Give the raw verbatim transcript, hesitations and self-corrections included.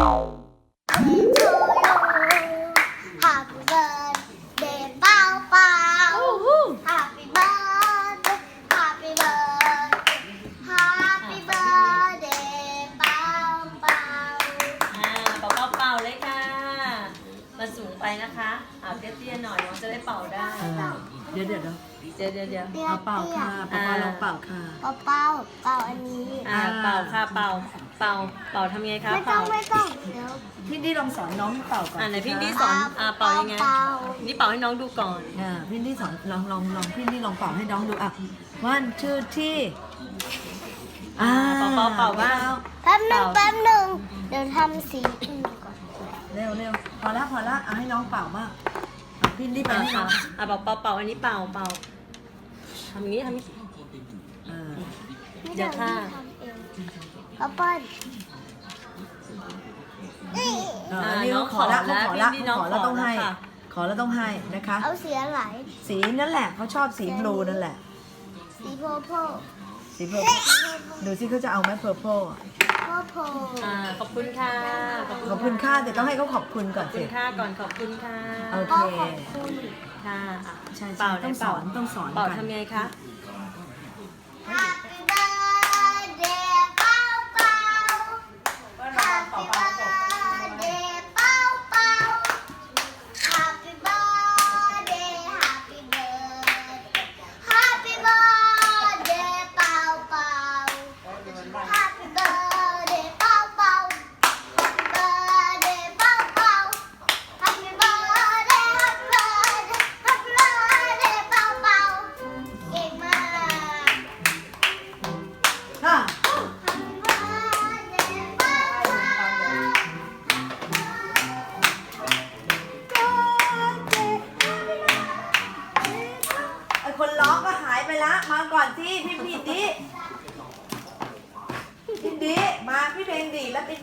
Happy birthday เป่าเป่า Happy birthday Happy birthday Happy birthday เป่าเป่าอ่าเป่าเป่าเป่าเลยค่ะ มาสูงไปนะคะอ่าเตี้ยๆหน่อยน้องจะได้เป่าได้เดี๋ยวเดี๋ยวเดี๋ยวเดี๋ยวเดี๋ยวเดี๋ยวเตี้ยเอาเป่าค่ะเตี้ยป้าป้าลองเป่าค่ะเป่าเป่าเป่าอันนี้อ่าเป่าค่ะเป่าเป่าเป่าทำไงคะไม่ต้อเป่างไม่ต้องเดี๋ยวพี่ดีลองสอนน้องเป่าก่อนอ่าไหนพี่ดีสิสคะอนอ่าเป่ายังไงเป่านี่เป่าให้น้องดูก่อนอ่าพี่ดีสอนลองลองลองพี่ดีลองเป่าให้น้องดูอ่ะวันชื่อที่อ่าเป่าเป่าเป่าบ้างแป๊บหนึ่งแป๊บหนึ่งเดี๋ยวทำสีอื่นก่อนเร็วเร็วพอละพอละเอาให้น้องเป่าบ้างอ่ะพี่ดีไปอ่าให้น้ค่ะองอ่าเป่าเป่าเป่าอันนี้เป่าเป่าทำอย่างนี้ทำอย่างนี้อ่าไม่เดี๋ยวค่ะทำเองป้าเปิ้ลนี่เอออันนี้เขาขอละเขาขอละเขาขอแล้วต้องให้ ขอแล้วต้องให้นะคะเอาสีอะไรสีนั่นแหละเขาชอบสีบลูนั่นแหละสีโพโพสีเพอร์ดูสิเขาจะเอาไหมเพอร์โพโพโพอ่าขอบคุณค่ะขอบคุณค่าแต่ต้องให้เขาขอบคุณก่อนขอบคุสิณค่ะก่อนขอบคุณค่ะโอก็เคขอบคุณค่ะอ่ะใช่ใช่เป่าต้องไหนเป่าสอนต้องสอนเป่ากันทำไงคะ Happy birthday เป้าเป้า Happy birthday เป้าเป้า Happy birthday Happy birthday Happy birthday เป้าเป้า Happy birthday เป้าเป้า Happy birthday เป้าเป้า Happy birthday Happy birthday Happy birthday เป้าเป้าเก่งมากค่ะ Happy birthday เป้าเป้าไอคนร้องก็หายไปละมาก่อนสิพี่พี่ดิพี่ดิมาพี่เพลงดีแล้วพี่